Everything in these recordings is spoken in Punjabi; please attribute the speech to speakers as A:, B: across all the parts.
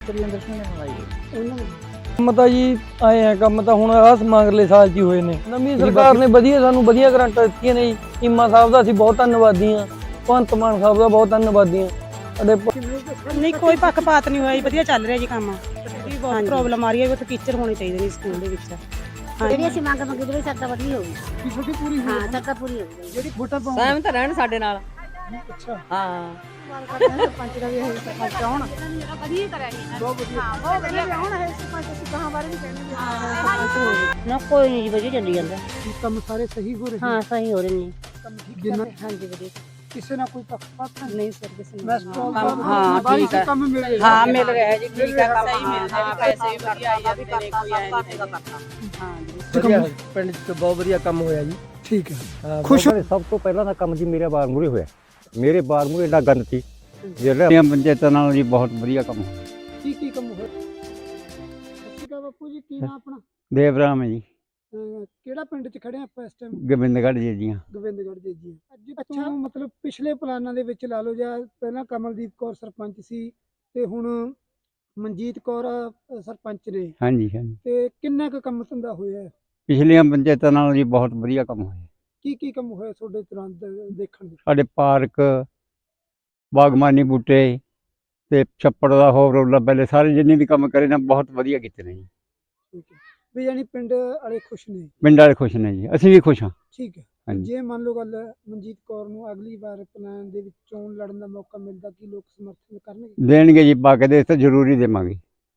A: ਤ੍ਰਿੰਦਰ ਸਿੰਘ ਨੇ ਬਣਾਈ ਉਹਨਾਂ ਨੇ
B: ਕੰਮ ਤਾਂ ਜੀ ਆਏ ਆ, ਕੰਮ ਤਾਂ ਹੁਣ ਆਸ ਮੰਗਲੇ ਸਾਲ 'ਚ ਹੀ ਹੋਏ ਨੇ। ਨਵੀਂ ਸਰਕਾਰ ਨੇ ਵਧੀਆ ਸਾਨੂੰ ਵਧੀਆ ਗਰੰਟਾਂ ਦਿੱਤੀਆਂ ਨੇ ਜੀ। ਚੀਮਾ ਸਾਹਿਬ ਦਾ ਅਸੀਂ ਬਹੁਤ ਧੰਨਵਾਦੀ ਹਾਂ, ਭਗਵੰਤ ਮਾਨ ਸਾਹਿਬ ਦਾ ਬਹੁਤ ਧੰਨਵਾਦੀ ਹਾਂ।
C: ਨਹੀਂ ਕੋਈ ਪੱਖਪਾਤ ਨਹੀਂ ਹੋਇਆ ਜੀ, ਵਧੀਆ ਚੱਲ ਰਿਹਾ ਜੀ ਕੰਮ। ਬਹੁਤ ਪ੍ਰੋਬਲਮ ਆ ਰਹੀ ਹੈ, ਉੱਥੇ ਟੀਚਰ ਹੋਣੇ ਚਾਹੀਦੇ ਨੇ ਸਕੂਲ ਦੇ ਵਿੱਚ।
D: ਜਿਹੜੀ ਅਸੀਂ ਮੰਗ ਮੰਗੀ ਜਿਹੜੀ ਸਰਕਾਰ ਵਧੀਆ ਹੋਊਗੀ,
A: ਛੋਟੀ ਪੂਰੀ
D: ਹਾਂ ਸਰਕਾਰ ਪੂਰੀ ਹੋਊਗੀ।
A: ਜਿਹੜੀ ਵੋਟਾਂ ਪਾਉਣ
E: ਸਹਿਮਤ ਰਹਿਣ ਸਾਡੇ ਨਾਲ।
A: ਅੱਛਾ
E: ਹਾਂ
D: ਸਰਪੰਚ ਦਾ ਵੀ ਇਹ ਸਰਪੰਚ ਆਉਣ ਵਧੀਆ ਕਰਾਂਗੇ,
A: ਬਹੁਤ ਵਧੀਆ।
D: ਹਾਂ ਬਹੁਤ ਵਧੀਆ ਆਉਣ ਹੈ ਸਰਪੰਚ। ਅਸੀਂ ਕਹਾਂ ਬਾਰੇ ਵੀ ਕਹਿੰਦੇ ਸਰਪੰਚ ਹੋਵੇ ਨਾ, ਕੋਈ ਨਹੀਂ ਜੀ ਵਧੀਆ ਚੱਲੀ ਜਾਂਦਾ।
A: ਕੰਮ ਸਾਰੇ ਸਹੀ ਹੋ ਰਹੇ
D: ਹਾਂ ਸਹੀ ਹੋ ਰਹੇ ਨੇ
A: ਕੰਮ ਠੀਕ ਜਿੰਨਾ
D: ਹਾਂਜੀ ਵਧੀਆ।
A: ਕਿਸੇ ਨਾਲ ਕੋਈ ਪੱਖਪਾਤ
C: ਨਹੀਂ ਸਰ ਕਿਸੇ ਨੂੰ
E: ਹਾਂ ਠੀਕ ਹੈ।
A: ਕੰਮ ਮਿਲ ਰਿਹਾ
E: ਹਾਂ ਮਿਲ ਰਿਹਾ ਜੀ, ਠੀਕ ਹੈ, ਕੰਮ ਸਹੀ ਮਿਲ ਰਿਹਾ, ਪੈਸੇ ਵੀ ਵਧੀਆ ਆਈ ਜਾਂਦੇ ਨੇ, ਕੋਈ ਆਇਆ ਨਹੀਂ ਹਾਂ ਜੀ।
F: ਵਧੀਆ ਪਿੰਡ 'ਚ ਬਹੁਤ ਵਧੀਆ ਕੰਮ ਹੋਇਆ ਜੀ।
A: ਠੀਕ ਹੈ।
F: ਖੁਸ਼ ਸਭ ਤੋਂ ਪਹਿਲਾਂ ਤਾਂ ਕੰਮ ਜੀ ਮੇਰੇ ਬਾਰ ਮੂਹਰੇ ਹੋਇਆ। ਮੇਰੇ ਬਾਰ ਮੂਹਰੇ ਏਡਾ ਗੰਦ ਸੀ, ਜਿਹੜੀਆਂ ਪੰਚਾਇਤਾਂ ਨਾਲ ਜੀ ਬਹੁਤ ਵਧੀਆ ਕੰਮ ਹੋਇਆ।
A: ਕੀ ਕੰਮ ਹੋਇਆ? ਸਤਿ ਸ਼੍ਰੀ ਅਕਾਲ ਬਾਪੂ ਜੀ, ਕੀ ਨਾਮ ਆਪਣਾ?
F: ਦੇਵਰਾਮ ਹੈ ਜੀ,
A: ਕਿਹੜਾ ਪਿੰਡ 'ਚ ਖੜੇ ਆਪਾਂ ਇਸ ਟਾਈਮ?
F: ਗੋਬਿੰਦਗੜ੍ਹ ਜੀ ਦੀਆਂ।
A: ਗੋਬਿੰਦਗੜ੍ਹ ਜੀ ਜੀ। ਅੱਛਾ, ਮਤਲਬ ਪਿਛਲੇ ਪਲਾਨਾਂ ਦੇ ਵਿੱਚ ਲਾ ਲਓ, ਜਾਂ ਪਹਿਲਾਂ ਕਮਲਦੀਪ ਕੌਰ ਸਰਪੰਚ ਸੀ ਤੇ ਹੁਣ ਮਨਜੀਤ ਕੌਰ ਸਰਪੰਚ ਨੇ,
F: ਹਾਂਜੀ ਹਾਂਜੀ,
A: ਤੇ ਕਿੰਨਾ ਕੁ ਕੰਮ ਧੰਦਾ ਹੋਇਆ?
F: ਪਿਛਲੀਆਂ ਪੰਚਾਇਤਾਂ ਨਾਲ ਜੀ ਬਹੁਤ ਵਧੀਆ ਕੰਮ ਹੋਇਆ।
A: ਕੀ ਕੰਮ ਹੋਇਆ ਤੁਹਾਡੇ ਤੁਰੰਤ ਦੇਖਣ ਦੇ?
F: ਸਾਡੇ ਪਾਰਕ, ਬਾਗਬਾਨੀ ਬੂਟੇ ਤੇ ਛੱਪੜ ਦਾ ਹੋਰ ਰੋਲਾ ਪਹਿਲੇ ਸਾਰੇ ਜਿੰਨੇ ਵੀ ਕੰਮ ਕਰੇ ਨਾ ਬਹੁਤ ਵਧੀਆ ਕੀਤੇ ਨੇ ਜੀ।
A: ਠੀਕ ਹੈ, ਵੀ ਯਾਨੀ ਪਿੰਡ ਵਾਲੇ ਖੁਸ਼ ਨੇ?
F: ਪਿੰਡ ਵਾਲੇ ਖੁਸ਼ ਨੇ ਜੀ, ਅਸੀਂ ਵੀ ਖੁਸ਼ ਹਾਂ।
A: ਠੀਕ ਹੈ।
F: ਹਾਂਜੀ।
A: ਜੇ ਮੰਨ ਲਓ ਗੱਲ ਮਨਜੀਤ ਕੌਰ ਨੂੰ ਅਗਲੀ ਵਾਰ ਪਲਾਨ ਦੇ ਵਿੱਚ ਚੋਣ ਲੜਨ ਦਾ ਮੌਕਾ ਮਿਲਦਾ, ਕੀ ਲੋਕ ਸਮਰਥਨ ਕਰਨਗੇ?
F: ਦੇਣਗੇ ਜੀ, ਪਾ ਕੇ ਦੇ ਤਾਂ ਜ਼ਰੂਰੀ ਦੇਵਾਂਗੇ।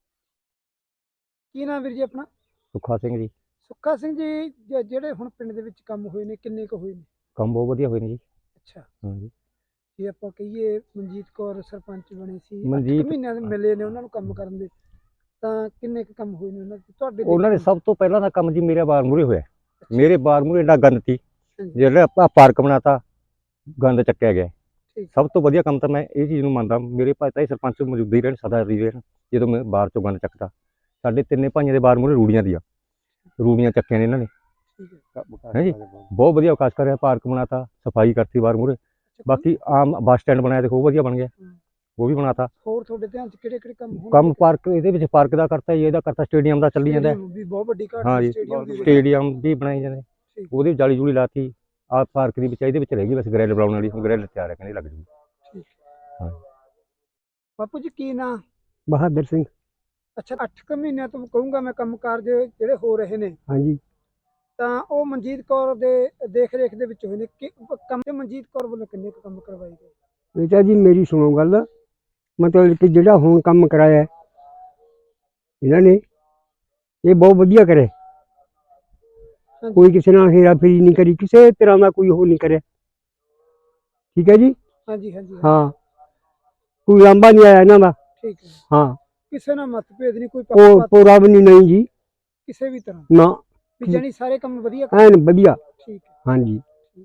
A: ਕੀ ਨਾਮ ਵੀਰ ਜੀ ਆਪਣਾ?
F: ਸੁੱਖਾ ਸਿੰਘ ਜੀ।
A: ਸੁੱਖਾ ਸਿੰਘ ਜੀ, ਜਿਹੜੇ ਹੁਣ ਪਿੰਡ ਦੇ ਵਿੱਚ ਕੰਮ ਹੋਏ ਨੇ, ਕਿੰਨੇ ਕੁ ਹੋਏ ਨੇ?
F: ਕੰਮ ਬਹੁਤ ਵਧੀਆ ਹੋਏ ਨੇ ਜੀ।
A: ਅੱਛਾ,
F: ਹਾਂਜੀ।
A: ਜੇ ਆਪਾਂ ਕਹੀਏ ਮਨਜੀਤ ਕੌਰ ਸਰਪੰਚ ਬਣੇ ਸੀ, 8
F: ਮਨਜੀਤ
A: ਮਹੀਨਿਆਂ ਦੇ ਮਿਲੇ ਨੇ ਉਹਨਾਂ ਨੂੰ ਕੰਮ ਕਰਨ ਦੇ, ਤਾਂ ਕਿੰਨੇ ਕੁ ਕੰਮ ਹੋਏ ਨੇ ਉਹਨਾਂ ਦੇ ਤੁਹਾਡੇ?
F: ਉਹਨਾਂ ਨੇ ਸਭ ਤੋਂ ਪਹਿਲਾਂ ਤਾਂ ਕੰਮ ਜੀ ਮੇਰੇ ਬਾਰ ਮੂਹਰੇ ਹੋਇਆ। ਮੇਰੇ ਬਾਰ ਮੂਹਰੇ ਏਡਾ ਗੰਦ ਸੀ,
A: ਹਾਂਜੀ।
F: ਜਿਹੜਾ ਆਪਾਂ ਪਾਰਕ ਬਣਾਤਾ, ਗੰਦ ਚੱਕਿਆ ਗਿਆ।
A: ਠੀਕ।
F: ਸਭ ਤੋਂ ਵਧੀਆ ਕੰਮ ਤਾਂ ਮੈਂ ਇਹ ਚੀਜ਼ ਨੂੰ ਮੰਨਦਾ, ਮੇਰੇ ਭਾਈ ਤਾਂ ਇਹ ਸਰਪੰਚ ਮੌਜੂਦਾ ਹੀ ਰਹਿਣ, ਸਦਾ ਹੀ ਰਹਿਣ। ਜਦੋਂ ਮੈਂ ਬਾਹਰ ਚੋਂ ਗੰਦ ਚੱਕਦਾ, ਸਾਡੇ ਤਿੰਨੇ ਭਾਈਆਂ ਦੇ ਬਾਰ ਮੂਹਰੇ ਰੂੜੀਆਂ ਚੱਕੀਆਂ ਨੇ ਇਹਨਾਂ ਨੇ।
A: ਠੀਕ ਹੈ।
F: ਹੈ ਜੀ, ਬਹੁਤ ਵਧੀਆ ਵਿਕਾਸ ਕਰਿਆ, ਪਾਰਕ ਬਣਾਤਾ, ਸਫਾਈ ਕਰਤੀ ਬਾਰ ਮੂਹਰੇ। ਬਾਕੀ ਆਮ ਬੱਸ ਸਟੈਂਡ ਬਣਾਇਆ, ਦੇਖੋ ਉਹ ਵਧੀਆ ਬਣ ਗਿਆ, ਉਹ ਵੀ ਬਣਾਤਾ।
A: ਹੋਰ ਤੁਹਾਡੇ ਧਿਆਨ 'ਚ ਕਿਹੜੇ ਕੰਮ ਹੋਣਗੇ?
F: ਕੰਮ ਪਾਰਕ, ਇਹਦੇ ਵਿੱਚ ਪਾਰਕ ਦਾ ਕਰਤਾ ਜੀ, ਇਹਦਾ ਕਰਤਾ, ਸਟੇਡੀਅਮ ਦਾ ਚੱਲੀ ਜਾਂਦਾ।
A: ਵੀ ਬਹੁਤ ਵੱਡੀ ਘਾਟ
F: ਹਾਂ ਜੀ, ਸਟੇਡੀਅਮ ਵੀ ਬਣਾਈ ਜਾਂਦੇ, ਉਹਦੀ ਜਾਲੀ ਜੂਲੀ ਲਾਤੀ। ਆਹ ਪਾਰਕ ਦੀ ਵਿੱਚ ਇਹਦੇ ਵਿੱਚ ਰਹਿ ਗਈ ਬਸ ਗ੍ਰਿਲ ਬਣਾਉਣ ਵਾਲੀ, ਹੁਣ ਗ੍ਰਿਲ ਤਿਆਰ ਹੈ, ਕਹਿੰਦੇ ਲੱਗ ਜੂਗੀ।
A: ਠੀਕ।
F: ਹਾਂ
A: ਬਾਪੂ ਜੀ ਕੀ ਨਾਂ?
F: ਬਹਾਦਰ ਸਿੰਘ।
A: ਅੱਛਾ, 8 ਮਹੀਨਿਆਂ ਤੋਂ ਕਹੂੰਗਾ ਮੈਂ ਕੰਮ ਕਾਰਜ ਜਿਹੜੇ ਹੋ ਰਹੇ ਨੇ,
F: ਹਾਂਜੀ।
A: ਤਾਂ ਉਹ ਮਨਜੀਤ ਕੌਰ ਦੇ ਦੇਖ ਰੇਖ ਦੇ ਵਿੱਚ ਹੋਏ ਨੇ। ਕਿ ਕੰਮ ਤੇ ਮਨਜੀਤ ਕੌਰ ਵੱਲੋਂ ਕਿੰਨੇ ਕੁ ਕੰਮ ਕਰਵਾਏ ਗਏ?
F: ਬੇਟਾ ਜੀ ਮੇਰੀ ਸੁਣੋ ਗੱਲ, ਮਤਲਬ ਕਿ ਜਿਹੜਾ ਹੁਣ ਕੰਮ ਕਰਾਇਆ ਇਹਨਾਂ ਨੇ, ਇਹ ਬਹੁਤ ਵਧੀਆ ਕਰੇ। ਕੋਈ ਕਿਸੇ ਨਾਲ ਹੇਰਾ ਫੇਰੀ ਨਹੀਂ ਕਰੀ, ਕਿਸੇ ਤਰ੍ਹਾਂ ਦਾ ਕੋਈ ਉਹ ਨਹੀਂ ਕਰਿਆ। ਠੀਕ ਹੈ ਜੀ।
A: ਹਾਂਜੀ ਹਾਂਜੀ।
F: ਹਾਂ, ਕੋਈ ਲਾਂਭਾ ਨਹੀਂ ਆਇਆ ਇਹਨਾਂ ਦਾ।
A: ਠੀਕ ਹੈ।
F: ਹਾਂ,
A: ਕਿਸੇ ਨਾਲ ਮਤਭੇਦ ਨਹੀਂ, ਕੋਈ
F: ਉਹ
A: ਪੱਖਪਾਤ
F: ਪੂਰਾ ਵੀ ਨਹੀਂ ਜੀ,
A: ਕਿਸੇ ਵੀ ਤਰ੍ਹਾਂ?
F: ਨਾ
A: ਵੀ ਜਾਨੀ ਸਾਰੇ ਕੰਮ ਵਧੀਆ
F: ਐਨ ਵਧੀਆ।
A: ਠੀਕ ਹੈ।
F: ਹਾਂਜੀ।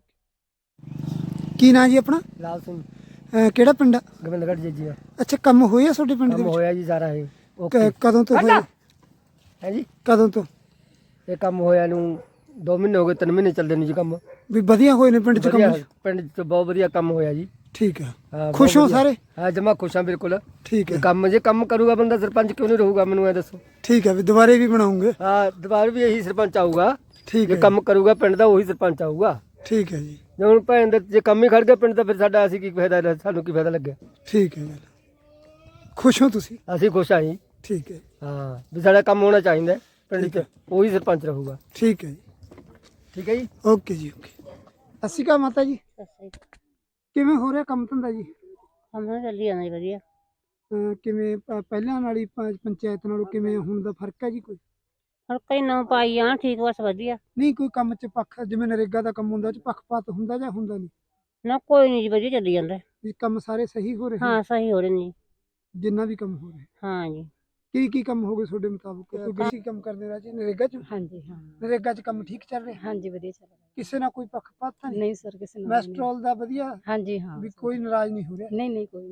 A: ਕੀ ਨਾਂ ਜੀ ਆਪਣਾ?
F: ਲਾਲ ਸਿੰਘ,
A: ਕਿਹੜਾ ਪਿੰਡ?
F: ਗੋਬਿੰਦਗੜ੍ਹ ਜੀ ਜੀ।
A: ਅੱਛਾ, ਕੰਮ ਹੋਇਆ ਤੁਹਾਡੇ ਪਿੰਡ ਦੇ
F: ਕੰਮ
A: ਵਿੱਚ?
F: ਹੋਇਆ ਜੀ ਸਾਰਾ ਇਹ।
A: ਕਦੋਂ ਤੋਂ ਹੋਇਆ?
F: ਹੈ ਜੀ,
A: ਕਦੋਂ ਤੋਂ?
F: ਇਹ ਕੰਮ ਹੋਇਆ ਨੂੰ 2 ਮਹੀਨੇ ਹੋ ਗਏ, 3 ਮਹੀਨੇ ਚੱਲਦੇ ਨੇ ਜੀ ਕੰਮ।
A: ਵੀ ਵਧੀਆ ਹੋਏ ਨੇ ਪਿੰਡ 'ਚ ਕੰਮ?
F: ਪਿੰਡ 'ਚ ਬਹੁਤ ਵਧੀਆ ਕੰਮ ਹੋਇਆ ਜੀ।
A: ਠੀਕ ਹੈ।
F: ਹਾਂ,
A: ਖੁਸ਼ ਹੋ ਸਾਰੇ?
F: ਹਾਂ ਜਮਾ ਖੁਸ਼ ਹਾਂ ਬਿਲਕੁਲ।
A: ਠੀਕ ਹੈ।
F: ਕੰਮ ਜੇ ਕੰਮ ਕਰੂਗਾ ਬੰਦਾ, ਸਰਪੰਚ ਕਿਉਂ ਨਹੀਂ ਰਹੂਗਾ, ਮੈਨੂੰ ਇਹ ਦੱਸੋ।
A: ਠੀਕ ਹੈ, ਵੀ ਦੁਬਾਰੇ ਵੀ ਬਣਾਉਂਗੇ?
F: ਹਾਂ, ਦੁਬਾਰਾ ਵੀ ਇਹੀ ਸਰਪੰਚ ਆਊਗਾ।
A: ਠੀਕ
F: ਜੇ
A: ਹੈ।
F: ਕੰਮ ਕਰੂਗਾ ਪਿੰਡ ਦਾ, ਉਹੀ ਸਰਪੰਚ ਆਊਗਾ।
A: ਠੀਕ ਹੈ ਜੀ।
F: ਜੇ ਹੁਣ ਭੈਣ ਦੇ ਜੇ ਕੰਮ ਹੀ ਖੜ ਗਿਆ ਪਿੰਡ ਦਾ, ਫਿਰ ਸਾਡਾ ਅਸੀਂ ਕੀ ਫਾਇਦਾ, ਸਾਨੂੰ ਕੀ ਫਾਇਦਾ ਲੱਗਿਆ।
A: ਠੀਕ ਹੈ ਜੀ। ਖੁਸ਼ ਹੋ ਤੁਸੀਂ?
F: ਅਸੀਂ ਖੁਸ਼ ਹਾਂ ਜੀ।
A: ਠੀਕ ਹੈ।
F: ਹਾਂ, ਵੀ ਸਾਡਾ ਕੰਮ ਹੋਣਾ ਚਾਹੀਦਾ ਪਿੰਡ 'ਚ, ਉਹੀ ਸਰਪੰਚ ਰਹੂਗਾ।
A: ਠੀਕ ਹੈ ਜੀ।
F: ਠੀਕ ਹੈ ਜੀ।
A: ਓਕੇ ਜੀ, ਓਕੇ। ਸਤਿ ਸ਼੍ਰੀ ਅਕਾਲ ਮਾਤਾ ਜੀ, ਕਿਵੇਂ ਹੋ ਰਿਹਾ ਕੰਮ ਧੰਦਾ ਜੀ?
D: ਕੰਮ ਤਾਂ ਚੱਲੀ ਜਾਂਦਾ ਜੀ ਵਧੀਆ।
A: ਕਿਵੇਂ ਪਹਿਲਾਂ ਵਾਲੀ ਪੰਚਾਇਤ ਨਾਲੋਂ ਕਿਵੇਂ ਹੁਣ ਦਾ ਫਰਕ ਹੈ ਜੀ ਕੋਈ?
D: ਹੁਣ ਕਈ ਨੌ ਪਾਈ ਆ, ਠੀਕ ਬਸ ਵਧੀਆ।
A: ਨਹੀਂ ਕੋਈ ਕੰਮ 'ਚ ਪੱਖ, ਜਿਵੇਂ ਨਰੇਗਾ ਦਾ ਕੰਮ ਹੁੰਦਾ, ਉਹ 'ਚ ਪੱਖਪਾਤ ਹੁੰਦਾ ਜਾਂ ਹੁੰਦਾ ਨਹੀਂ?
D: ਨਾ ਕੋਈ ਨਹੀਂ ਜੀ, ਵਧੀਆ ਚੱਲੀ ਜਾਂਦਾ।
A: ਵੀ ਕੰਮ ਸਾਰੇ ਸਹੀ ਹੋ ਰਹੇ ਨੇ?
D: ਹਾਂ ਸਹੀ ਹੋ ਰਹੇ ਨੇ ਜੀ।
A: ਜਿੰਨਾ ਵੀ ਕੰਮ ਹੋ ਰਿਹਾ?
D: ਹਾਂ ਜੀ।
A: ਕੀ ਕੰਮ ਹੋ ਗਏ ਤੁਹਾਡੇ ਮੁਤਾਬਕ? ਕੋਈ ਬੇਸਿਕ ਕੰਮ ਕਰਦੇ ਰਾਜ ਨਰੇਗਾ 'ਚ?
C: ਹਾਂਜੀ ਹਾਂ।
A: ਨਰੇਗਾ 'ਚ ਕੰਮ ਠੀਕ ਚੱਲ ਰਿਹਾ?
C: ਹਾਂਜੀ ਵਧੀਆ ਚੱਲ ਰਿਹਾ।
A: ਕਿਸੇ ਨਾਲ ਕੋਈ ਪੱਖਪਾਤ ਤਾਂ ਨਹੀਂ?
C: ਨਹੀਂ ਸਰ ਕਿਸੇ ਨਾਲ
A: ਮੈਸਟਰੋਲ ਦਾ ਵਧੀਆ?
C: ਹਾਂਜੀ ਹਾਂ।
A: ਵੀ ਕੋਈ ਨਾਰਾਜ਼ ਨਹੀਂ ਹੋ ਰਿਹਾ?
C: ਨਹੀਂ ਨਹੀਂ ਕੋਈ ਨਹੀਂ।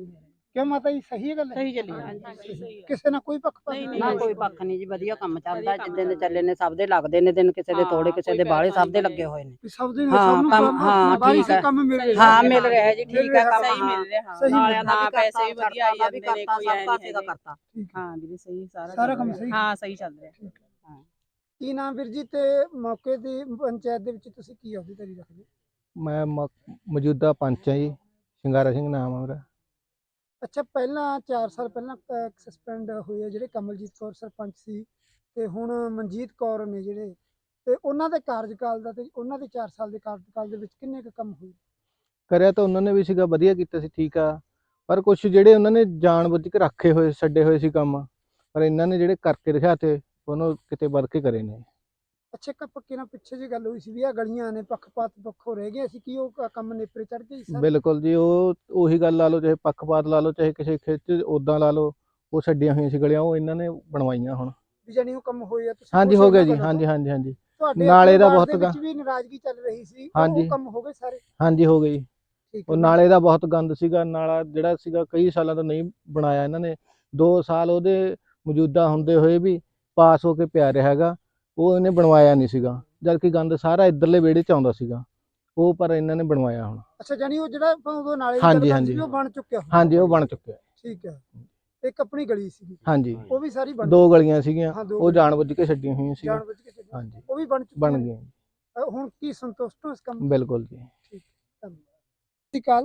A: ਕਿਉਂ ਮਾਤਾ ਜੀ ਸਹੀ ਹੈ ਗੱਲ ਹੈ?
C: ਸਹੀ ਚੱਲੀ ਜਾਂਦੀ।
A: ਕਿਸੇ ਨਾਲ ਕੋਈ ਪੱਖਪਾਤ
C: ਨਹੀਂ,
E: ਨਾ ਕੋਈ ਪੱਖ ਨਹੀਂ ਜੀ, ਵਧੀਆ ਕੰਮ ਚੱਲਦਾ, ਜਿੱਦਾਂ ਦੇ ਚੱਲੇ ਨੇ ਸਭ ਦੇ ਲੱਗਦੇ ਨੇ ਦਿਨ, ਕਿਸੇ ਦੇ ਥੋੜੇ ਕਿਸੇ ਦੇ ਬਾਹਲੇ, ਸਭ ਦੇ ਲੱਗੇ ਹੋਏ ਨੇ।
A: ਸਭ ਦੇ
E: ਹਾਂ,
A: ਸਭ ਨੂੰ
E: ਕੰਮ- ਹਾਂ,
A: ਬਾਰੀ
E: ਠੀਕ ਹੈ।
A: ਕੰਮ ਮਿਲ ਰਿਹਾ
E: ਹਾਂ ਮਿਲ ਰਿਹਾ ਜੀ, ਠੀਕ ਹੈ ਕੰਮ,
C: ਸਹੀ
E: ਹਾਂ
C: ਮਿਲ ਰਿਹਾ।
A: ਸਹੀ
C: ਨਾਲਿਆਂ
A: ਮਿਲ
C: ਦਾ ਪੈਸੇ ਵੀ ਵਧੀਆ ਆਈ ਜਾਂਦੇ ਨੇ, ਕੋਈ
E: ਸਭ
C: ਐ
E: ਪਾਸੇ ਦਾ
C: ਨਹੀਂ
E: ਕਰਤਾ।
C: ਹਾਂ ਵੀਰੇ ਸਹੀ
A: ਸਾਰਾ
C: ਸਾਰਾ
A: ਕੰਮ
C: ਚੱਲ
A: ਸਹੀ।
C: ਰਿਹਾ। ਹਾਂ ਸਹੀ ਚੱਲ ਰਿਹਾ।
A: ਕੀ ਨਾਮ ਵੀਰ ਜੀ ਤੇ ਮੌਕੇ ਦੀ ਪੰਚਾਇਤ ਦੇ ਵਿੱਚ ਤੁਸੀਂ ਕੀ ਅਹੁਦੇਦਾਰੀ ਰੱਖਦੇ?
G: ਮੈਂ ਮੌਜੂਦਾ ਪੰਚ ਹਾਂ ਜੀ, ਸ਼ਿੰਗਾਰਾ ਸਿੰਘ ਨਾਮ ਹੈ ਮੇਰਾ।
A: ਅੱਛਾ, ਪਹਿਲਾਂ 4 ਸਾਲ ਪਹਿਲਾਂ ਸਸਪੈਂਡ ਹੋਏ ਆ ਜਿਹੜੇ ਕਮਲਜੀਤ ਕੌਰ ਸਰਪੰਚ ਸੀ ਤੇ ਹੁਣ ਮਨਜੀਤ ਕੌਰ ਨੇ ਜਿਹੜੇ, ਤੇ ਉਹਨਾਂ ਦੇ ਕਾਰਜਕਾਲ ਦਾ ਤੇ ਉਹਨਾਂ ਦੇ 4 ਸਾਲ ਦੇ ਕਾਰਜਕਾਲ ਦੇ ਵਿੱਚ ਕਿੰਨੇ ਕੁ ਕੰਮ ਹੋਏ?
G: ਕਰਿਆ ਤਾਂ ਉਹਨਾਂ ਨੇ ਵੀ ਸੀਗਾ, ਵਧੀਆ ਕੀਤਾ ਸੀ, ਠੀਕ ਆ, ਪਰ ਕੁਝ ਜਿਹੜੇ ਉਹਨਾਂ ਨੇ ਜਾਣਬੁੱਝ ਕੇ ਰੱਖੇ ਹੋਏ ਛੱਡੇ ਹੋਏ ਸੀ ਕੰਮ, ਪਰ ਇਹਨਾਂ ਨੇ ਜਿਹੜੇ ਕਰਕੇ ਦਿਖਾਤੇ ਉਹਨੂੰ ਕਿਤੇ ਵੱਧ ਕੇ ਕਰੇ ਨੇ।
A: ਅੱਛਾ, ਇੱਕ ਪੱਕੇ ਨਾਲ ਪਿੱਛੇ ਜੀ ਗੱਲ ਹੋਈ ਸੀ ਵੀ ਆ ਗਲੀਆਂ ਨੇ ਪੱਖਪਾਤ ਪੱਖੋਂ ਰਹਿ ਗਏ ਸੀ, ਕੀ ਉਹ ਕੰਮ ਨੇਪਰੇ ਚੜ ਗਏ ਸੀ?
G: ਬਿਲਕੁਲ ਜੀ, ਉਹੀ ਗੱਲ ਲਾ ਲਓ, ਚਾਹੇ ਪੱਖਪਾਤ ਲਾ ਲਓ, ਚਾਹੇ ਕਿਸੇ ਖਿੱਚ ਉਦਾਂ ਲਾ ਲਓ, ਉਹ ਛੱਡੀਆਂ ਹੋਈਆਂ ਸੀ ਗਲੀਆਂ, ਉਹ ਇਹਨਾਂ ਨੇ ਬਣਵਾਈਆਂ ਹੁਣ।
A: ਵੀ ਜਾਨੀ ਉਹ ਕੰਮ ਹੋਏ ਆ? ਤੁਸੀਂ
G: ਹਾਂਜੀ
A: ਖੁਸ਼
G: ਹੋ ਗਿਆ
A: ਉਹਨਾਂ
G: ਜੀ,
A: ਗੱਲੋਂ
G: ਹਾਂਜੀ
A: ਤੋਂ?
G: ਹਾਂਜੀ ਹਾਂਜੀ
A: ਤੁਹਾਡੇ
G: ਨਾਲੇ
A: ਆਪਣੇ
G: ਦਾ
A: ਵਾਰਡ
G: ਬਹੁਤ
A: ਦੇ ਵਿੱਚ
G: ਗਾ-
A: ਵੀ ਨਾਰਾਜ਼ਗੀ ਚੱਲ ਰਹੀ ਸੀ,
G: ਹਾਂਜੀ।
A: ਉਹ ਕੰਮ ਹੋ ਗਏ ਸਾਰੇ?
G: ਹਾਂਜੀ ਹੋ ਗਈ।
A: ਠੀਕ
G: ਉਹ
A: ਹੈ।
G: ਨਾਲੇ ਦਾ ਬਹੁਤ ਗੰਦ ਸੀਗਾ, ਨਾਲਾ ਜਿਹੜਾ ਸੀਗਾ ਕਈ ਸਾਲਾਂ ਤੋਂ ਨਹੀਂ ਬਣਾਇਆ ਇਹਨਾਂ ਨੇ, 2 ਸਾਲ ਉਹਦੇ ਮੌਜੂਦਾ ਹੁੰਦੇ ਹੋਏ ਵੀ ਪਾਸ ਹੋ ਕੇ ਪਿਆ ਰਿਹਾ ਹੈਗਾ, ਉਹ ਇਹਨੇ ਬਣਵਾਇਆ ਨਹੀਂ ਸੀਗਾ, ਜਦ ਕਿ ਗੰਦ ਸਾਰਾ ਇੱਧਰਲੇ ਵਿਹੜੇ 'ਚ ਆਉਂਦਾ ਸੀਗਾ, ਉਹ ਪਰ ਇਹਨਾਂ ਨੇ ਬਣਵਾਇਆ ਹੁਣ।
A: ਅੱਛਾ, ਜਾਨੀ ਉਹ ਜਿਹੜਾ ਆਪਾਂ ਉਦੋਂ ਨਾਲੇ ਦੀ
G: ਹਾਂਜੀ,
A: ਗੱਲ ਕਰਦੇ
G: ਹਾਂਜੀ।
A: ਸੀ ਉਹ ਬਣ ਚੁੱਕਿਆ ਹੁਣ?
G: ਹਾਂਜੀ ਉਹ ਬਣ ਚੁੱਕਿਆ।
A: ਠੀਕ ਹੈ। ਇੱਕ ਆਪਣੀ ਗਲੀ ਸੀ
G: ਹਾਂਜੀ
A: ਉਹ ਵੀ ਸਾਰੀ ਬਣ
G: 2 ਗਲੀਆਂ ਸੀਗੀਆਂ,
A: ਹਾਂ, ਦੋ
G: ਉਹ
A: ਗਲੀਆਂ।
G: ਜਾਣਬੁੱਝ ਕੇ ਛੱਡੀਆਂ ਹੋਈਆਂ ਸੀਗੀਆਂ।
A: ਜਾਣਬੁੱਝ ਕੇ ਛੱਡੀ।
G: ਹਾਂਜੀ
A: ਉਹ ਵੀ ਬਣ ਚੁੱਕੀਆਂ
G: ਬਣ
A: ਨੇ।
G: ਗਈਆਂ,
A: ਹੁਣ ਕੀ ਸੰਤੁਸ਼ਟ ਹੋ ਇਸ ਕੰਮ ਤੋਂ?
G: ਬਿਲਕੁਲ ਜੀ।
A: ਸਤਿ ਸ਼੍ਰੀ ਅਕਾਲ।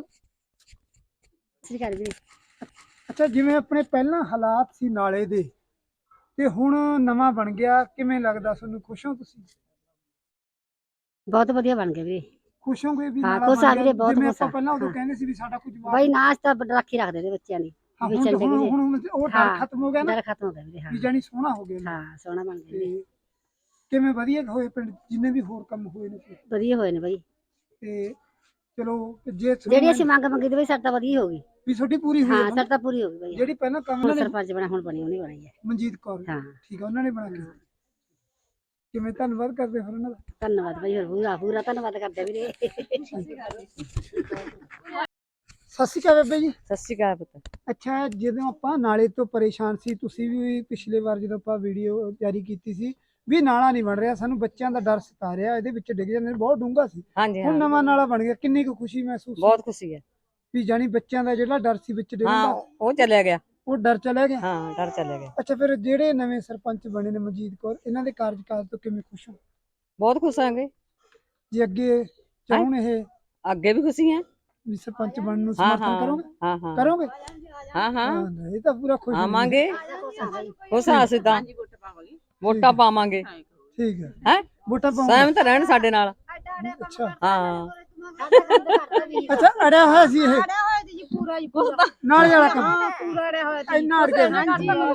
D: ਸ੍ਰੀ ਅਕਾਲ ਵੀਰੇ।
A: ਅੱਛਾ, ਜਿਵੇਂ ਆਪਣੇ ਪਹਿਲਾਂ ਹਾਲਾਤ ਸੀ ਨਾਲੇ ਦੇ ਤੇ ਹੁਣ ਨਵਾਂ ਬਣ ਗਿਆ, ਕਿਵੇਂ ਲੱਗਦਾ ਤੁਹਾਨੂੰ? ਖੁਸ਼ ਹੋ ਤੁਸੀਂ?
D: ਬਹੁਤ ਵਧੀਆ ਬਣ ਗਿਆ ਵੀਰੇ।
A: ਖੁਸ਼ ਹੋਗੇ ਵੀ
D: ਹਾਂ,
A: ਨਾਲਾ
D: ਖੁਸ਼
A: ਬਣ
D: ਆ
A: ਗਿਆ?
D: ਵੀਰੇ, ਬਹੁਤ
A: ਜਿਵੇਂ
D: ਖੁਸ਼ ਆ।
A: ਆਪਾਂ ਪਹਿਲਾਂ ਉਦੋਂ
D: ਹਾਂ।
A: ਕਹਿੰਦੇ ਸੀ ਵੀ ਸਾਡਾ ਕੁਝ
D: ਬਾਈ ਨਾਚ ਤਾਂ ਰਾਖੀ ਰੱਖਦੇ ਨੇ ਬੱਚਿਆਂ ਦੀ
A: ਹਾਂ,
D: ਵੀ
A: ਹੁਣ
D: ਚੱਲ
A: ਹੁਣ
D: ਵੀਰੇ।
A: ਹੁਣ ਉਹ ਡਰ
D: ਹਾਂ,
A: ਖਤਮ ਹੋ ਗਿਆ ਨਾ,
D: ਡਰ ਖਤਮ ਹੋ ਗਿਆ ਵੀਰੇ। ਹਾਂ
A: ਵੀ ਜਾਨੀ ਸੋਹਣਾ ਹੋ ਗਿਆ ਨਾ।
D: ਹਾਂ, ਸੋਹਣਾ ਬਣ ਗਿਆ ਵੀਰੇ।
A: ਤੇ ਕਿਵੇਂ ਵਧੀਆ ਹੋਏ ਪਿੰਡ ਜਿੰਨੇ ਵੀ ਹੋਰ ਕੰਮ ਹੋਏ ਨੇ ਫਿਰ?
D: ਵਧੀਆ ਹੋਏ ਨੇ ਬਾਈ,
A: ਤੇ ਚਲੋ ਜੇ
D: ਜਿਹੜੀ ਅਸੀਂ ਮੰਗ ਮੰਗੀ ਤੇ ਬਈ ਸਾਡਾ ਵਧੀਆ ਹੋ ਗਈ।
A: ਵੀ ਤੁਹਾਡੀ ਪੂਰੀ ਹੋਈ
D: ਹਾਂ,
A: ਹੈ ਨਾ?
D: ਸਾਡਾ ਪੂਰੀ ਹੋ ਗਈ ਬਾਈ।
A: ਜਿਹੜੀ ਪਹਿਲਾਂ ਕੰਮ
D: ਹੁਣ
A: ਉਹਨਾਂ ਨੇ
D: ਸਰਪੰਚ ਬਣਾ, ਹੁਣ ਬਣੀ ਉਹਨੇ ਬਣਾਈ ਹੈ।
A: ਮਨਜੀਤ ਕੌਰ,
D: ਹਾਂ,
A: ਠੀਕ ਹੈ, ਉਹਨਾਂ ਨੇ ਬਣਾ ਕੇ ਦਿੱਤੀ। ਕਿਵੇਂ ਧੰਨਵਾਦ ਕਰਦੇ ਫਿਰ ਉਹਨਾਂ ਦਾ?
D: ਧੰਨਵਾਦ ਬਾਈ, ਹੋਰ ਪੂਰਾ ਪੂਰਾ ਧੰਨਵਾਦ ਕਰਦੇ ਵੀਰੇ।
A: ਸਤਿ ਸ਼੍ਰੀ ਅਕਾਲ ਬੇਬੇ ਜੀ।
E: ਸਤਿ ਸ਼੍ਰੀ ਅਕਾਲ ਪੁੱਤ।
A: ਅੱਛਾ, ਜਦੋਂ ਆਪਾਂ ਨਾਲੇ ਤੋਂ ਪਰੇਸ਼ਾਨ ਸੀ, ਤੁਸੀਂ ਵੀ ਪਿਛਲੇ ਵਾਰ ਜਦੋਂ ਆਪਾਂ ਵੀਡੀਓ ਜਾਰੀ ਕੀਤੀ ਸੀ ਵੀ ਨਾਲਾ ਨਹੀਂ ਬਣ ਰਿਹਾ, ਸਾਨੂੰ ਬੱਚਿਆਂ ਦਾ ਡਰ ਸਤਾ ਰਿਹਾ, ਇਹਦੇ ਵਿੱਚ ਡਿੱਗ ਜਾਂਦੇ ਨੇ, ਬਹੁਤ ਡੂੰਘਾ ਸੀ।
E: ਹਾਂਜੀ
A: ਹੁਣ
E: ਹਾਂ,
A: ਨਵਾਂ ਨਾਲਾ ਬਣ ਗਿਆ, ਕਿੰਨੀ ਕੁ ਖੁਸ਼ੀ ਮਹਿਸੂਸ ਹੋਈ?
E: ਬਹੁਤ ਖੁਸ਼ੀ ਹੈ।
A: ਵੀ ਜਾਨੀ ਬੱਚਿਆਂ ਦਾ ਜਿਹੜਾ ਡਰ ਸੀ ਵਿੱਚ ਡਿੱਗਣ
E: ਹਾਂ
A: ਦਾ,
E: ਉਹ ਚਲਿਆ ਗਿਆ।
A: ਉਹ ਡਰ ਚਲਾ ਗਿਆ।
E: ਹਾਂ ਡਰ ਚਲਿਆ ਗਿਆ।
A: ਅੱਛਾ, ਫਿਰ ਜਿਹੜੇ ਨਵੇਂ ਸਰਪੰਚ ਬਣੇ ਨੇ ਮਨਜੀਤ ਕੌਰ, ਇਹਨਾਂ ਦੇ ਕਾਰਜਕਾਲ ਤੋਂ ਕਿਵੇਂ ਖੁਸ਼ ਹੋ?
E: ਬਹੁਤ ਖੁਸ਼ ਆਂਗੇ,
A: ਜੇ ਅੱਗੇ ਚਾਹੁਣ ਇਹ
E: ਅੱਗੇ ਵੀ ਖੁਸ਼ੀ ਹੈ।
A: ਵੀ ਸਰਪੰਚ ਬਣਨ ਨੂੰ
E: ਹਾਂ
A: ਸਮਰਥਨ ਕਰੋਗੇ?
E: ਹਾਂ ਹਾਂ
A: ਕਰੋਗੇ?
E: ਹਾਂ ਹਾਂ
A: ਹਾਂ, ਇਹ ਤਾਂ ਪੂਰਾ ਖੁਸ਼ ਹੋਈ।
E: ਆਵਾਂਗੇ, ਖੁਸ਼ ਹਾਂ ਅਸੀਂ ਤਾਂ, ਵੋਟਾਂ ਪਾਵਾਂਗੇ।
A: ਠੀਕ ਹੈ,
E: ਹੈ
A: ਵੋਟਾਂ ਪਾਉਂਗੇ?
E: ਸਹਿਮਤ ਰਹਿਣ ਸਾਡੇ ਨਾਲ।
A: ਅੱਛਾ
E: ਹਾਂ
A: ਅੱਛਾ, ਅੜਿਆ ਹੋਇਆ ਸੀ ਇਹ
D: ਪੂਰਾ ਜੀ
A: ਨਾਲੇ ਵਾਲਾ ਕੰਮ?
D: ਪੂਰਾ ਅੜਿਆ ਹੋਇਆ
A: ਇੰਨਾ ਅੜ ਗਿਆ ਸੀ?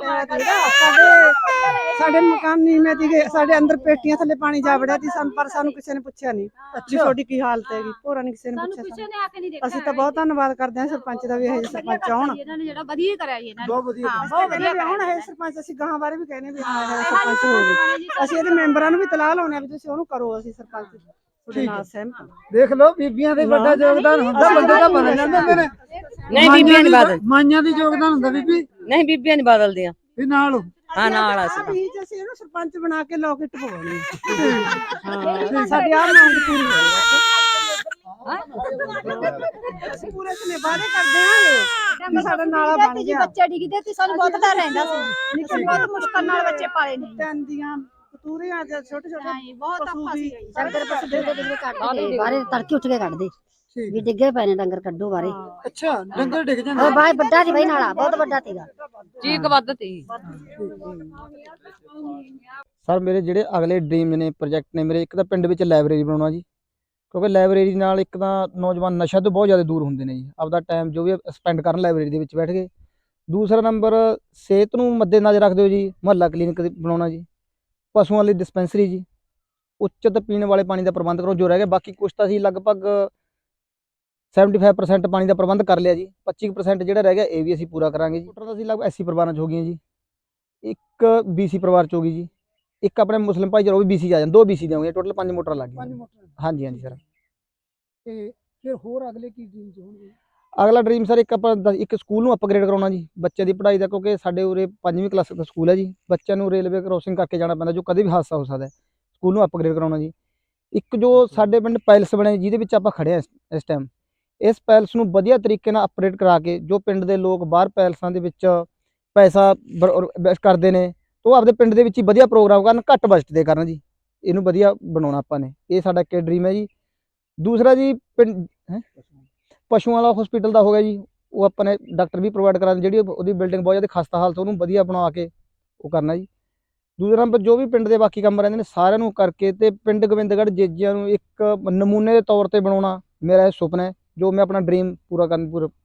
C: ਸਾਡੇ ਮਕਾਨ ਨੀਵੇਂ ਸੀਗੇ, ਸਾਡੇ ਅੰਦਰ ਪੇਟੀਆਂ ਥੱਲੇ ਪਾਣੀ ਜਾ ਵੜਿਆ ਸੀ, ਪਰ ਸਾਨੂੰ ਕਿਸੇ ਨੇ ਪੁੱਛਿਆ ਨਹੀਂ ਵੀ ਤੁਹਾਡੀ ਕੀ ਹਾਲਤ ਹੈਗੀ, ਭੋਰਾ ਨਹੀਂ ਕਿਸੇ ਨੇ ਪੁੱਛਿਆ ਸਾਨੂੰ। ਅਸੀਂ ਤਾਂ ਬਹੁਤ ਧੰਨਵਾਦ ਕਰਦੇ ਹਾਂ ਸਰਪੰਚ ਦਾ ਵੀ, ਇਹ ਸਰਪੰਚ ਆਉਣ
D: ਇਹਨਾਂ ਨੇ ਜਿਹੜਾ ਵਧੀਆ ਕਰਿਆ ਜੀ ਇਹਨਾਂ ਨੇ।
A: ਬਹੁਤ ਵਧੀਆ
C: ਬਹੁਤ ਵਧੀਆ ਹੁਣ ਇਹ ਸਰਪੰਚ, ਅਸੀਂ ਗਾਹਾਂ ਬਾਰੇ ਵੀ ਕਹਿੰਦੇ ਵੀ ਹਾਂ ਇਹ ਸਰਪੰਚ ਹੋ ਗਏ। ਅਸੀਂ ਇਹਦੇ ਮੈਂਬਰਾਂ ਨੂੰ ਵੀ ਤਲਾਹ ਲਾਉਣੇ ਆ ਵੀ ਤੁਸੀਂ ਉਹਨੂੰ ਕਰੋ, ਅਸੀਂ ਸਰਪੰਚ ਤੁਹਾਡੇ ਨਾਲ ਸਹਿਮਤ ਹਾਂ।
A: ਦੇਖ ਲਓ, ਬੀਬੀਆਂ ਦੇ ਵੱਡਾ ਯੋਗਦਾਨ ਹੁੰਦਾ, ਬੰਦੇ ਦਾ ਬਣ ਜਾਂਦੇ ਹੁੰਦੇ ਨੇ।
E: ਨਹੀਂ ਬੀਬੀਆਂ ਨਹੀਂ ਬਦਲ,
A: ਮਾਈਆਂ ਦੀ ਯੋਗਦਾਨ ਹੁੰਦਾ ਬੀਬੀ,
E: ਨਹੀਂ ਬੀਬੀਆਂ ਨਹੀਂ ਬਦਲਦੀਆਂ।
A: ਵੀ ਨਾਲ ਹੋ।
E: ਹਾਂ ਨਾਲ ਅਸੀਂ
C: ਵੀ ਅਸੀਂ ਇਹਨੂੰ ਸਰਪੰਚ ਬਣਾ ਕੇ ਲੋਕਟ ਪਵਾਉਣੀ ਹਾਂ, ਸਾਡੀ ਆਹ ਮੰਗ ਪੂਰੀ ਅਸੀਂ ਪੂਰੇ ਸਨੇ ਵਾਅਦੇ ਕਰਦੇ ਹਾਂ ਕਿ ਸਾਡਾ ਨਾਲਾ ਬਣ ਗਿਆ।
D: ਬੱਚੇ ਡਿੱਗਦੇ ਤੇ ਸਾਨੂੰ ਬਹੁਤ ਡਰ ਰਹਿੰਦਾ ਸੀ, ਅਸੀਂ ਬਹੁਤ ਮੁਸ਼ਕਲ ਨਾਲ ਬੱਚੇ ਪਾਲੇ ਨੇ।
C: ਪੈਂਦੀਆਂ ਕਤੂਰੀਆਂ ਜਾਂ ਛੋਟੇ ਛੋਟੇ
D: ਬਹੁਤ
C: ਪਸ਼ੂ
D: ਔਖਾ
C: ਵੀ
D: ਸੀ। ਡੰਗਰ ਪਸ਼ੂ ਡਿੱਗਦੇ ਕੱਢਦੇ ਬਾਹਰੇ ਤੜਕੇ ਉੱਠ ਕੇ ਕੱਢਦੇ
A: ਠੀਕ
D: ਵੀ ਡਿੱਗੇ ਪਏ ਨੇ ਡੰਗਰ, ਕੱਢੋ ਬਾਹਰੇ।
A: ਅੱਛਾ, ਡੰਗਰ ਡਿੱਗ ਜਾਂਦੇ?
D: ਉਹ ਬਾਈ ਵੱਡਾ ਸੀ ਬਾਈ ਨਾਲਾ, ਬਹੁਤ ਵੱਡਾ ਸੀਗਾ।
E: ਚੀਕ ਵੱਧ ਤੀ।
H: ਸਰ ਮੇਰੇ ਜਿਹੜੇ ਅਗਲੇ ਡ੍ਰੀਮ ਨੇ, ਪ੍ਰੋਜੈਕਟ ਨੇ ਮੇਰੇ, ਇੱਕ ਤਾਂ ਪਿੰਡ ਵਿੱਚ ਲਾਇਬ੍ਰੇਰੀ ਬਣਾਉਣਾ ਜੀ, ਕਿਉਂਕਿ ਲਾਇਬ੍ਰੇਰੀ ਨਾਲ ਇੱਕ ਤਾਂ ਨੌਜਵਾਨ ਨਸ਼ਾ ਤੋਂ ਬਹੁਤ ਜ਼ਿਆਦਾ ਦੂਰ ਹੁੰਦੇ ਨੇ ਜੀ, ਆਪਦਾ ਟਾਈਮ ਜੋ ਵੀ ਸਪੈਂਡ ਕਰਨ ਲਾਇਬ੍ਰੇਰੀ ਦੇ ਵਿੱਚ ਬੈਠ ਕੇ। ਦੂਸਰਾ ਨੰਬਰ, ਸਿਹਤ ਨੂੰ ਮੱਦੇ ਨਜ਼ਰ ਰੱਖਦੇ ਹੋ ਜੀ, ਮੁਹੱਲਾ ਕਲੀਨਿਕ ਬਣਾਉਣਾ ਜੀ, ਪਸ਼ੂਆਂ ਲਈ ਡਿਸਪੈਂਸਰੀ ਜੀ, ਉੱਚਿਤ ਪੀਣ ਵਾਲੇ ਪਾਣੀ ਦਾ ਪ੍ਰਬੰਧ ਕਰੋ। ਜੋ ਰਹਿ ਗਿਆ ਬਾਕੀ ਕੁਛ ਤਾਂ ਅਸੀਂ ਲਗਭਗ 75% ਪਾਣੀ ਦਾ ਪ੍ਰਬੰਧ ਕਰ ਲਿਆ ਜੀ, 25% ਜਿਹੜਾ ਰਹਿ ਗਿਆ ਇਹ ਵੀ ਅਸੀਂ ਪੂਰਾ ਕਰਾਂਗੇ ਜੀ। ਮੋਟਰ ਤਾਂ ਅਸੀਂ ਲਗਭਗ 80 ਪਰਿਵਾਰਾਂ 'ਚ ਹੋ ਗਈਆਂ ਜੀ, ਇੱਕ BC ਪਰਿਵਾਰ 'ਚ ਹੋ ਗਈ ਜੀ, ਇੱਕ ਆਪਣੇ ਮੁਸਲਿਮ ਭਾਈਚਾਰਾ ਉਹ ਵੀ BC 'ਚ ਆ ਜਾਣ, 2 BC ਦੇਵਾਂਗੇ, ਟੋਟਲ 5 ਮੋਟਰਾਂ ਲੱਗ
A: 5
H: ਗਈਆਂ।
A: ਮੋਟਰ?
H: ਹਾਂਜੀ ਹਾਂਜੀ ਸਰ।
A: ਤੇ ਫਿਰ ਹੋਰ ਅਗਲੇ ਕੀ ਡ੍ਰੀਮ ਹੋਣਗੇ?
H: ਅਗਲਾ ਡ੍ਰੀਮ ਸਰ ਇੱਕ ਸਕੂਲ ਨੂੰ ਅਪਗ੍ਰੇਡ ਕਰਾਉਣਾ ਜੀ ਬੱਚਿਆਂ ਦੀ ਪੜ੍ਹਾਈ ਦਾ, ਕਿਉਂਕਿ ਸਾਡੇ ਉਰੇ 5ਵੀਂ ਕਲਾਸ ਦਾ ਸਕੂਲ ਹੈ ਜੀ, ਬੱਚਿਆਂ ਨੂੰ ਰੇਲਵੇ ਕ੍ਰੋਸਿੰਗ ਕਰਕੇ ਜਾਣਾ ਪੈਂਦਾ, ਜੋ ਕਦੇ ਵੀ ਹਾਦਸਾ ਹੋ ਸਕਦਾ ਹੈ। ਸਕੂਲ ਨੂੰ ਅਪਗ੍ਰੇਡ ਕਰਾਉਣਾ ਜੀ। ਇੱਕ ਜੋ ਸਾਡੇ ਪਿੰਡ ਪੈਲਸ ਬਣੇ ਜਿਹਦੇ ਵਿੱਚ ਆਪਾਂ ਖੜੇ ਹਾਂ ਇਸ ਟਾਈਮ, ਇਸ ਪੈਲਸ ਨੂੰ ਵਧੀਆ ਤਰੀਕੇ ਨਾਲ ਅਪਗ੍ਰੇਡ ਕਰਾ ਕੇ, ਜੋ ਪਿੰਡ ਦੇ ਲੋਕ ਬਾਹਰ ਪੈਲਸਾਂ ਦੇ ਵਿੱਚ ਪੈਸਾ ਇਨਵੈਸਟ ਕਰਦੇ ਨੇ, ਉਹ ਆਪਦੇ ਪਿੰਡ ਦੇ ਵਿੱਚ ਹੀ ਵਧੀਆ ਪ੍ਰੋਗਰਾਮ ਕਰਨ, ਘੱਟ ਬਜਟ ਦੇ ਕਰਨ ਜੀ। ਇਹਨੂੰ ਵਧੀਆ ਬਣਾਉਣਾ ਆਪਾਂ ਨੇ, ਇਹ ਸਾਡਾ ਇੱਕ ਡ੍ਰੀਮ ਹੈ ਜੀ। ਦੂਸਰਾ ਜੀ ਪਿੰਡ ਪਸ਼ੂਆਂ ਵਾਲਾ ਹਸਪੀਟਲ ਦਾ ਹੋ ਗਿਆ ਜੀ, ਉਹ ਆਪਾਂ ਨੇ ਡਾਕਟਰ ਵੀ ਪ੍ਰੋਵਾਈਡ ਕਰਾ, ਜਿਹੜੀ ਉਹਦੀ ਬਿਲਡਿੰਗ ਬਹੁਤ ਜ਼ਿਆਦਾ ਖਸਤਾ ਹਾਲਤ, ਉਹਨੂੰ ਵਧੀਆ ਬਣਾ ਕੇ ਉਹ ਕਰਨਾ ਜੀ। ਦੂਸਰਾ ਨੰਬਰ ਜੋ ਵੀ ਪਿੰਡ ਦੇ ਬਾਕੀ ਕੰਮ ਰਹਿੰਦੇ ਨੇ ਸਾਰਿਆਂ ਨੂੰ ਕਰਕੇ, ਤੇ ਪਿੰਡ ਗੋਬਿੰਦਗੜ੍ਹ ਜੇਜਿਆਂ ਨੂੰ ਇੱਕ ਨਮੂਨੇ ਦੇ ਤੌਰ ਤੇ ਬਣਾਉਣਾ ਮੇਰਾ ਇਹ ਸੁਪਨਾ ਹੈ, ਜੋ ਮੈਂ ਆਪਣਾ ਡ੍ਰੀਮ ਪੂਰਾ ਕਰਨ